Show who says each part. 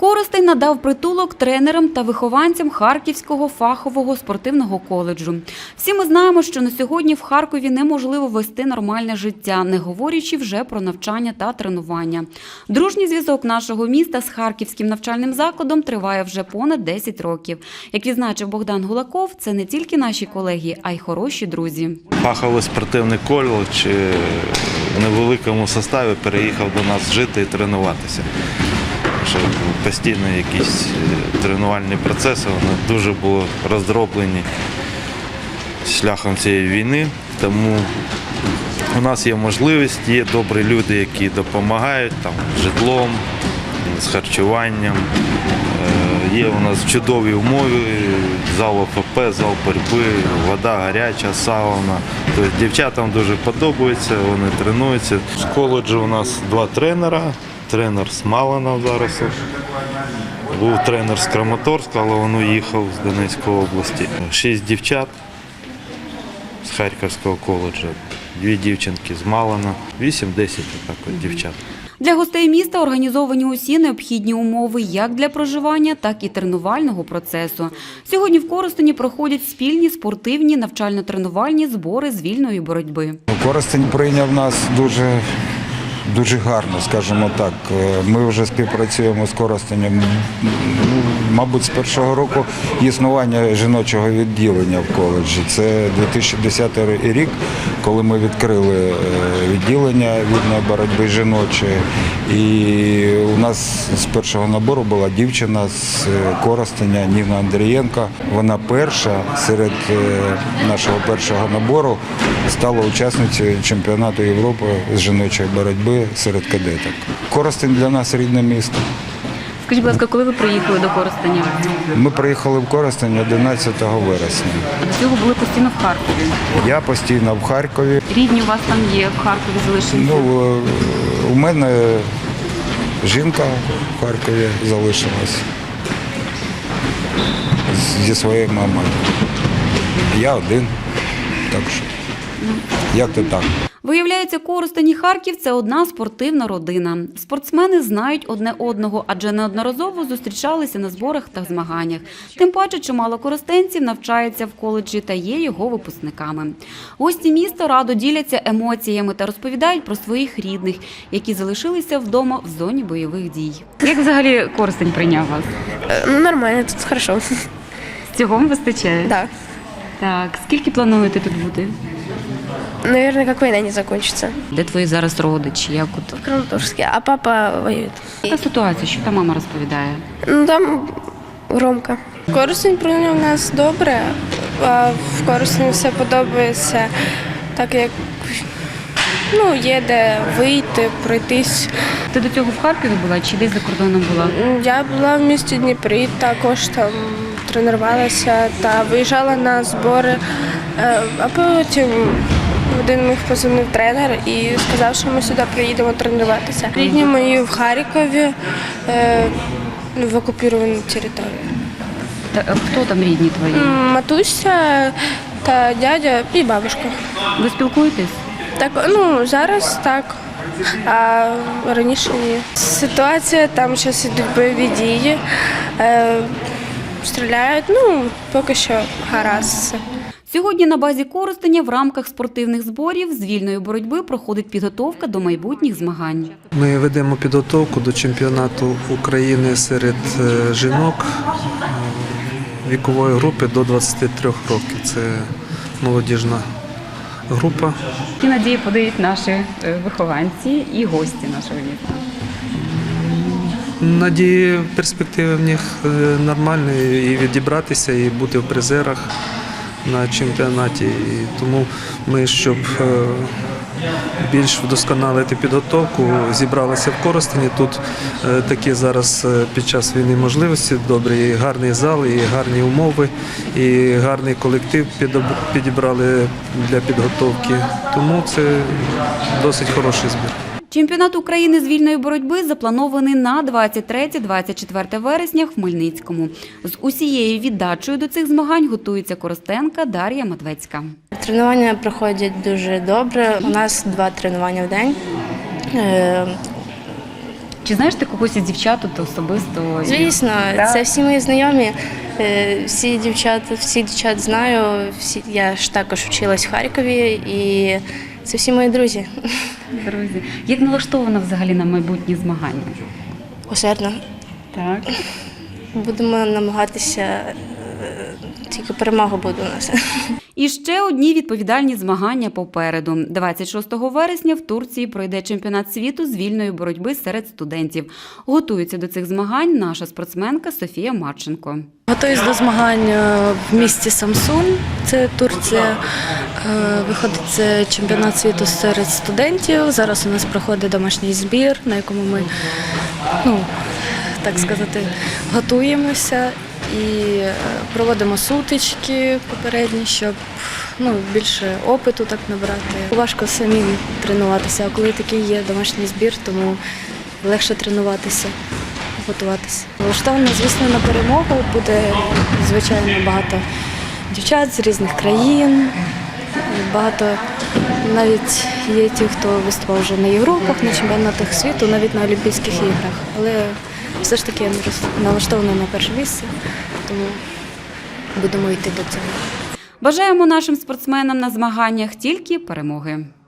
Speaker 1: Коростень надав притулок тренерам та вихованцям Харківського фахового спортивного коледжу. Всі ми знаємо, що на сьогодні в Харкові неможливо вести нормальне життя, не говорячи вже про навчання та тренування. Дружній зв'язок нашого міста з Харківським навчальним закладом триває вже понад 10 років. Як відзначив Богдан Гулаков, це не тільки наші колеги, а й хороші друзі.
Speaker 2: Фаховий спортивний коледж в невеликому составі переїхав до нас жити і тренуватися. Що постійно якісь тренувальні процеси, вони дуже були роздроблені шляхом цієї війни. Тому у нас є можливість, є добрі люди, які допомагають житлом, з харчуванням. Є у нас чудові умови, зал ОФП, зал боротьби, вода гаряча, сауна. Тобто дівчатам дуже подобається, вони тренуються. З коледжу у нас 2 тренера. Тренер з Малина зараз. Був тренер з Краматорська, але він уїхав з Донецької області. 6 дівчат з Харківського коледжу, 2 дівчинки з Малина, 8-10 дівчат.
Speaker 1: Для гостей міста організовані усі необхідні умови як для проживання, так і тренувального процесу. Сьогодні в Коростені проходять спільні спортивні навчально-тренувальні збори з вільної боротьби.
Speaker 3: Коростень прийняв нас дуже гарно, скажімо так. Ми вже співпрацюємо з Коростенем, мабуть, з першого року існування жіночого відділення в коледжі. Це 2010 рік, коли ми відкрили відділення вільної боротьби жіночої. І у нас з першого набору була дівчина з Коростеня Ніна Андрієнко. Вона перша серед нашого першого набору стала учасницею чемпіонату Європи з жіночої боротьби серед кадеток. Коростень для нас рідне місто.
Speaker 1: Скажіть, будь ласка, коли ви приїхали до Коростеня?
Speaker 3: Ми приїхали в Коростень 11 вересня.
Speaker 1: А до цього були постійно в Харкові?
Speaker 3: Я постійно в Харкові.
Speaker 1: Рідні у вас там є, в Харкові залишилися?
Speaker 3: У мене жінка в Харкові залишилась зі своєю мамою. Я один, так що, як то так.
Speaker 1: Виявляється, Коростень і Харків – це одна спортивна родина. Спортсмени знають одне одного, адже неодноразово зустрічалися на зборах та змаганнях. Тим паче, чимало коростенців навчається в коледжі та є його випускниками. Гості міста радо діляться емоціями та розповідають про своїх рідних, які залишилися вдома в зоні бойових дій. Як взагалі Коростень прийняв вас?
Speaker 4: Нормально, тут хорошо.
Speaker 1: Цього вам вистачає?
Speaker 4: Да.
Speaker 1: Так, скільки плануєте тут бути?
Speaker 4: Наверное, как война не закончится.
Speaker 1: Де твої зараз родичі? Як от?
Speaker 4: В Краматорске, а папа воюет.
Speaker 1: Яка ситуація? Що та мама розповідає?
Speaker 4: Ну, там громко.
Speaker 5: Коростень прийняв нас добре, а в Коростені все подобається, так як є де вийти, пройтись.
Speaker 1: Ти до цього в Харкові була чи десь за кордоном була?
Speaker 5: Я була в місті Дніпрі, також там тренувалася та виїжджала на збори, а потім один мій позвонив тренер і сказав, що ми сюди приїдемо тренуватися. Рідні мої в Харкові, в окупованій території.
Speaker 1: Хто там рідні твої?
Speaker 5: Матуся та дядя і бабушка.
Speaker 1: Ви спілкуєтесь?
Speaker 5: Так, зараз так, а раніше ні. Ситуація, там зараз йдуть бойові дії, стріляють, поки що гаразд.
Speaker 1: Сьогодні на базі Коростеня в рамках спортивних зборів з вільної боротьби проходить підготовка до майбутніх змагань.
Speaker 6: Ми ведемо підготовку до чемпіонату України серед жінок вікової групи до 23 років. Це молодіжна група.
Speaker 1: Які надії подають наші вихованці і гості нашого міста?
Speaker 6: Надії, перспективи в них нормальні, і відібратися, і бути в призерах на чемпіонаті. І тому ми, щоб більш вдосконалити підготовку, зібралися в Коростені. Тут такі зараз під час війни можливості, добрі, і гарний зал, і гарні умови, і гарний колектив підібрали для підготовки. Тому це досить хороший збір.
Speaker 1: Чемпіонат України з вільної боротьби запланований на 23-24 вересня в Хмельницькому. З усією віддачею до цих змагань готується коростенка Дар'я Матвецька.
Speaker 7: Тренування проходять дуже добре. У нас 2 тренування в день.
Speaker 1: Чи знаєш ти когось із дівчат тут особисто?
Speaker 7: Звісно,
Speaker 1: Так.
Speaker 7: це всі мої знайомі, всіх дівчат знаю. Я ж також вчилась в Харкові, і це всі мої друзі.
Speaker 1: Друзі, як налаштована взагалі на майбутні змагання?
Speaker 7: Усердно.
Speaker 1: Так.
Speaker 7: Будемо намагатися, тільки перемога буде у нас.
Speaker 1: І ще одні відповідальні змагання попереду. 26 вересня в Турції пройде чемпіонат світу з вільної боротьби серед студентів. Готується до цих змагань наша спортсменка Софія Марченко.
Speaker 8: Готуюсь до змагань в місті Самсун, це Турція. Виходить це чемпіонат світу серед студентів. Зараз у нас проходить домашній збір, на якому ми, так сказати, готуємося і проводимо сутички попередні, щоб більше опиту так набрати. Важко самим тренуватися, а коли такий є домашній збір, тому легше тренуватися, готуватися. Влаштовано, звісно, на перемогу. Буде, звичайно, багато дівчат з різних країн. Багато навіть є ті, хто виступав вже на Європах, на чемпіонатах світу, навіть на Олімпійських іграх. Але все ж таки я налаштована на перше місце, тому будемо йти до цього.
Speaker 1: Бажаємо нашим спортсменам на змаганнях тільки перемоги.